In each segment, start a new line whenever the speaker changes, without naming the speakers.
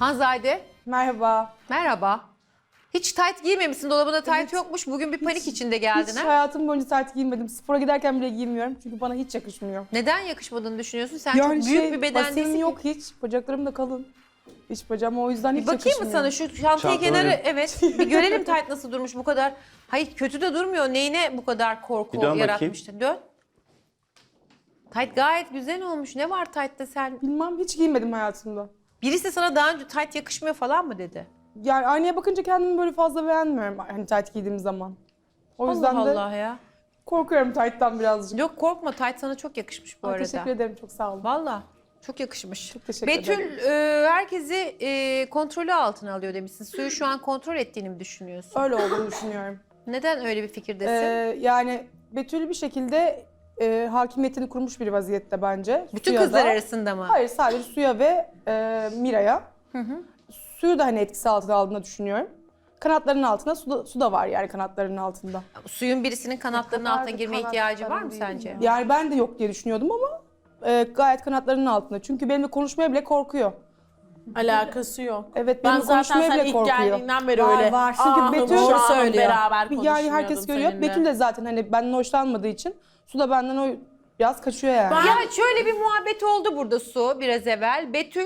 Hanzade,
Merhaba.
merhaba. Hiç tayt giymemişsin, dolabında tayt yokmuş. Bugün bir panik içinde geldin
Hiç
ha?
hayatım boyunca tayt giymedim. Spora giderken bile giymiyorum çünkü bana hiç yakışmıyor.
Neden yakışmadığını düşünüyorsun? Sen çok büyük bir beden
basenim
değilsin
yok
ki.
hiç. Bacaklarım da kalın. İç bacağım o yüzden hiç
Bir bakayım mı
yakışmıyor.
sana şu çantayı
Çantaları-
kenara, evet. Bir görelim tayt nasıl durmuş bu kadar. Hayır kötü de durmuyor. Neyine bu kadar korku
Bir dön bakayım.
yaratmıştı? Dön. Tayt gayet güzel olmuş. Ne var taytta sen?
Bilmem hiç giymedim hayatımda.
Birisi sana daha önce tayt yakışmıyor falan mı dedi?
Yani aynaya bakınca kendimi böyle fazla beğenmiyorum hani tayt giydiğim zaman. O yüzden
Allah
de
Allah ya.
korkuyorum tayttan birazcık.
Yok korkma, tayt sana çok yakışmış bu
Ay,
arada.
teşekkür ederim, çok sağ olun.
Valla çok yakışmış.
Çok teşekkür
Betül
ederim.
herkesi kontrolü altına alıyor demişsin. Suyu şu an kontrol ettiğini mi düşünüyorsun?
Öyle olduğunu düşünüyorum.
Neden öyle bir fikirdesin?
Yani Betül bir şekilde hakimiyetini kurmuş bir vaziyette bence.
Bütün
Suya
kızlar
da.
arasında mı?
Hayır, sadece Suya ve Mira'ya. Suyu da hani etkisi altına aldığını düşünüyorum. Kanatlarının altında su da var yani kanatlarının altında.
Suyun birisinin kanatlarının
kadar
altına
da
girme ihtiyacı var mı
kanatlarım
sence?
değil Yani ben de yok diye düşünüyordum ama gayet kanatlarının altında. Çünkü benimle konuşmaya bile korkuyor.
Alakası yok.
Evet,
Ben
benimle
zaten
konuşmaya
sen
bile
ilk
korkuyor.
geldiğinden beri
Var,
öyle.
var. Çünkü
"Ahım,
Betül
şahım"
söylüyor.
beraber
Yani herkes görüyor.
seninle.
Betül de zaten hani benden hoşlanmadığı için Su da benden o biraz kaçıyor yani.
Ya şöyle bir muhabbet oldu burada Su biraz evvel. Betül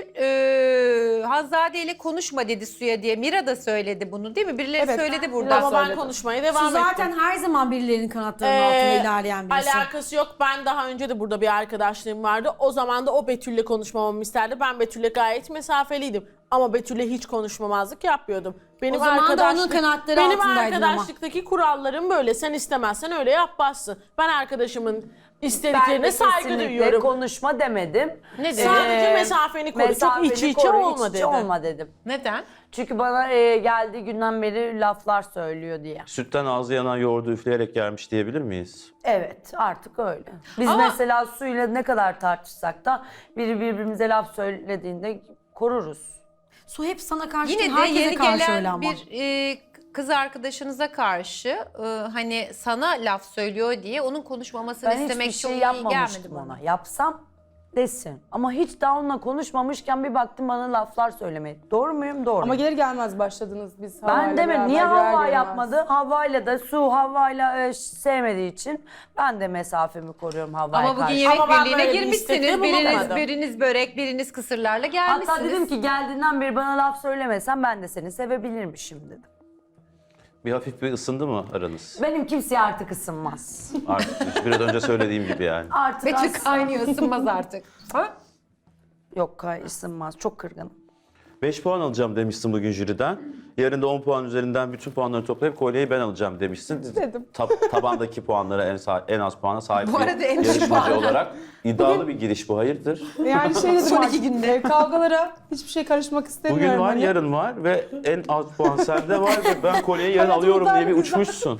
Hanzade ile konuşma dedi Su'ya diye. Mira da söyledi bunu değil mi? Birileri
Evet.
söyledi burada.
Ama ben
söyledim.
konuşmaya
Su
devam ettim.
zaten her zaman birilerinin kanatlarının altına ilerleyen birisi.
Alakası yok. Ben daha önce de burada bir arkadaşlığım vardı. O zaman da o Betül'le konuşmamamı isterdi. Ben Betül'le gayet mesafeliydim. Ama Betül'le hiç konuşmamazlık yapmıyordum. Benim
O zaman da onun
arkadaşlık-
kanatları
Benim
altındaydın ama.
arkadaşlıktaki kurallarım böyle. Sen istemezsen öyle yapmazsın. Ben arkadaşımın istediklerine saygı
kesinlikle
duyuyorum.
konuşma demedim.
Ne dedi?
Sadece mesafeni koru. Çok içi içe
koru,
olma
iç
dedi.
içe olma dedim.
Neden?
Çünkü bana geldiği günden beri laflar söylüyor diye.
Sütten ağzı yanan yoğurdu üfleyerek gelmiş diyebilir miyiz?
Evet, artık öyle. Biz
Ama-
mesela Su'yla ne kadar tartışsak da biri birbirimize laf söylediğinde koruruz.
Su hep sana karşı
Yine
değil,
de
herkese
yeni
karşı öyle
gelen
ama.
bir kız arkadaşınıza karşı hani sana laf söylüyor diye onun konuşmamasını
Ben
istemek
hiçbir
çok
şey
iyi gelmedi
yapmamıştım
bana.
ona. Yapsam desin. Ama hiç daha onunla konuşmamışken bir baktım bana laflar söylemeye. Doğru muyum? Doğru.
Ama gelir gelmez başladınız biz Havva'yla
Ben demedim.
beraber,
Niye
girer
Havva
girmez.
yapmadı? Havva'yla da Havva'yla sevmediği için ben de mesafemi koruyorum Havva'ya
Ama
karşı.
bugün yemek
Ama ben
birliğine
böyle bir
girmişsiniz.
istekte bulunmadım.
Biriniz börek, biriniz kısırlarla gelmişsiniz.
Hatta dedim ki geldiğinden beri bana laf söylemesen ben de seni sevebilirmişim dedim.
Bir hafif bir ısındı mı aranız?
Benim kimseye artık ısınmaz.
Artık biraz önce söylediğim gibi yani.
Artık
Betül
as-
kaynıyor, ısınmaz artık. Ha?
Yok ısınmaz. Çok kırgınım.
5 puan alacağım demişsin bugün jüriden. Yarın da 10 puan üzerinden bütün puanları toplayıp kolyeyi ben alacağım demişsin.
Dedim.
Tabandaki puanlara en az puana sahip
Bu
bir
arada en düşük
yarışmacı
puan.
olarak iddialı bir giriş bu. Hayırdır?
Yani şey dedim
Son
artık,
iki günde.
kavgalara hiçbir şey karışmak istemiyorum.
Bugün var,
hani.
yarın var ve en az puan sende var ve ben kolyeyi yarın
Hayatımda
alıyorum diye bir
güzel.
uçmuşsun.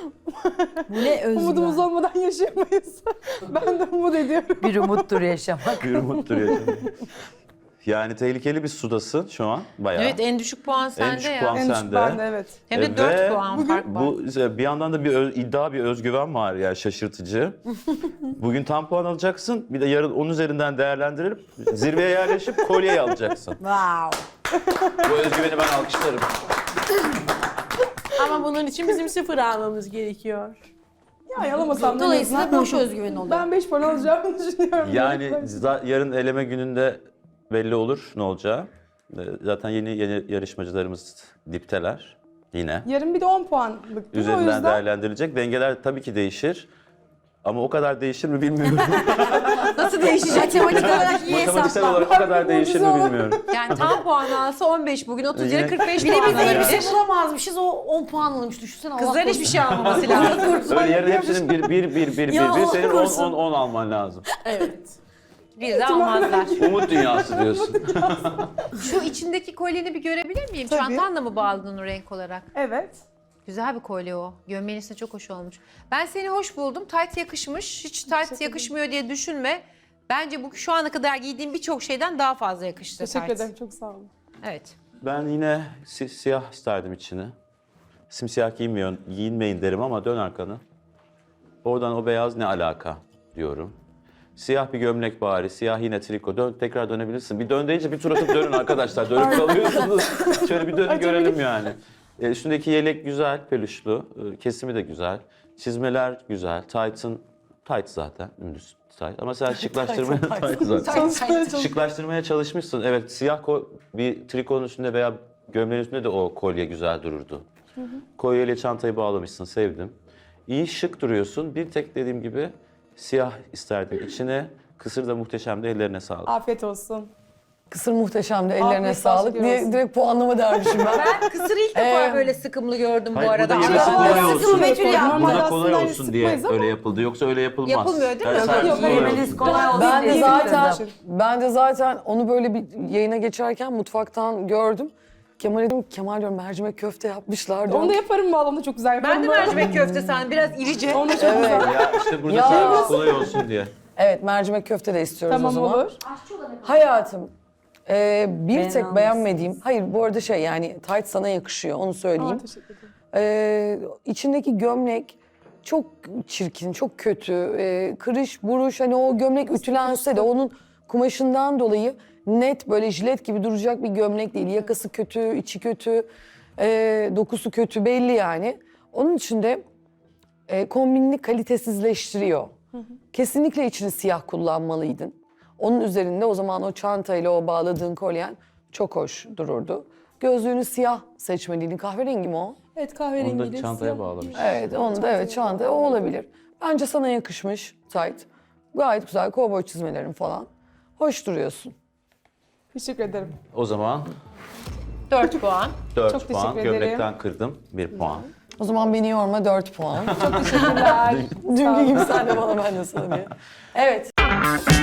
Bu ne
Umudumuz
özgüven.
olmadan yaşayamayız. Ben de umut ediyorum.
Bir umuttur yaşamak.
Bir umuttur yaşam. Yani tehlikeli bir sudasın şu an bayağı.
Evet en düşük puan sende
düşük
ya.
puan
En düşük
sende.
bende, evet.
Hem de
Ve
4 puan fark var.
Bu bir yandan da bir özgüven var yani şaşırtıcı. Bugün tam puan alacaksın. Bir de yarın 10 üzerinden değerlendirilip zirveye yerleşip kolyeyi alacaksın.
Wow.
Bu özgüveni ben alkışlarım.
Ama bunun için bizim 0 almamız gerekiyor.
Ya yalamasam da en
Dolayısıyla
azından-
boş özgüven oluyor.
Ben 5 puan alacağımı düşünüyorum.
Yani yarın eleme gününde belli olur ne olacağı. Zaten yeni yarışmacılarımız dipteler yine.
Yarın bir de 10 puanlık değil mi? O
Üzerinden
yüzden
değerlendirilecek. Dengeler tabii ki değişir. Ama o kadar değişir mi bilmiyorum.
Nasıl değişecek?
Matematik olarak iyi
Matematiksel
hesaplar.
olarak o kadar değişir mi
mucize
bilmiyorum.
Yani tam puan alsa 15 bugün 30
Yine-
lira 45
Bir de
puan
biz elbise
alabilir.
bulamazmışız, o 10 puan alınmış. Düşünsene Allah
Kızların
korusun.
hiçbir şey almaması lazım.
Öyle yarın hepsinin bir
Ya Allah
senin
korusun.
10 alman lazım.
Evet.
Bir de almazlar.
Umut dünyası diyorsun.
Şu içindeki kolyeni bir görebilir miyim?
Tabii.
Çantanla mı bağladın o renk olarak?
evet.
Güzel bir kolye o. Gömleğin üstüne çok hoş olmuş. Ben seni hoş buldum. Tayt yakışmış. Hiç tayt yakışmıyor diye düşünme. Bence bu şu ana kadar giydiğim birçok şeyden daha fazla yakıştı
Teşekkür
tayt.
ederim, çok sağ olun.
Evet.
Ben yine siyah isterdim içini. Simsiyah giyinmeyin derim ama dön arkanı. Oradan o beyaz ne alaka diyorum. Siyah bir gömlek bari, siyah yine triko. Tekrar dönebilirsin. Bir dön deyince bir tur atıp dönün arkadaşlar. Dönüp kalıyorsunuz. Şöyle bir dönün görelim yani. Üstündeki yelek güzel, peluşlu. Kesimi de güzel. Çizmeler güzel. Tight zaten. Dümdüz tight. Ama sen şıklaştırmaya tight zaten. Şıklaştırmaya çalışmışsın. Evet, siyah bir trikonun üstünde veya gömleğin üstünde de o kolye güzel dururdu. Kolyeyle çantayı bağlamışsın, sevdim. İyi, şık duruyorsun. Bir tek dediğim gibi siyah isterdim içine. Kısır da muhteşemdi, ellerine sağlık.
Afiyet olsun.
Kısır muhteşemdi, ellerine
Afiyet
sağlık
olsun
diye
diyoruz.
direkt puanlama dermişim ben.
Ben kısırı ilk defa böyle sıkımlı gördüm
Hayır,
bu arada.
burada yemesi
Ama-
kolay olsun.
Betül yapma.
Normalde
Burada kolay
aslında
olsun diye
sıkmayız ama-
öyle yapıldı. Yoksa öyle yapılmaz.
Yapılmıyor değil mi?
Yani servis
Yok,
kolay
Yemeniz
olsun.
kolay olsun
Ben de
diye
zaten
istedim.
ben de zaten onu böyle bir yayına geçerken mutfaktan gördüm. Kemal'e dedim, Kemal diyorum mercimek köfte yapmışlar diyorum.
Onu da yaparım valla, onu da çok güzel yaparım.
Ben de mercimek köfte sandım. Biraz irice.
Onu da çok güzel.
Ya işte burada
Ya.
servis kolay olsun diye.
Evet, mercimek köfte de istiyoruz o
Tamam,
zaman.
olur.
Hayatım, bir tek
almışsınız.
beğenmediğim, hayır bu arada yani tight sana yakışıyor onu söyleyeyim.
Aa, teşekkür ederim.
İçindeki gömlek çok çirkin, çok kötü. Kırış, buruş, hani o gömlek ütülense de onun kumaşından dolayı net böyle jilet gibi duracak bir gömlek değil. Yakası kötü, içi kötü, dokusu kötü belli yani. Onun için de kombinini kalitesizleştiriyor. Kesinlikle içini siyah kullanmalıydın. Onun üzerinde o zaman o çantayla o bağladığın kolyen çok hoş dururdu. Gözlüğünü siyah seçmeliydin. Kahverengi mi o?
Evet,
Onu
kahverengiyle
da çantaya
siyah.
bağlamış.
Evet, onu da evet çanta o olabilir. Bence sana yakışmış tight. Gayet güzel kovboy çizmelerin falan. Hoş duruyorsun.
Teşekkür ederim.
O zaman
4 puan.
4
Çok
puan.
teşekkür ederim.
Gömlekten kırdım 1 puan.
O zaman beni yorma 4 puan.
Teşekkürler.
Dünkü gibi sen de bana ben de sana diye. Evet.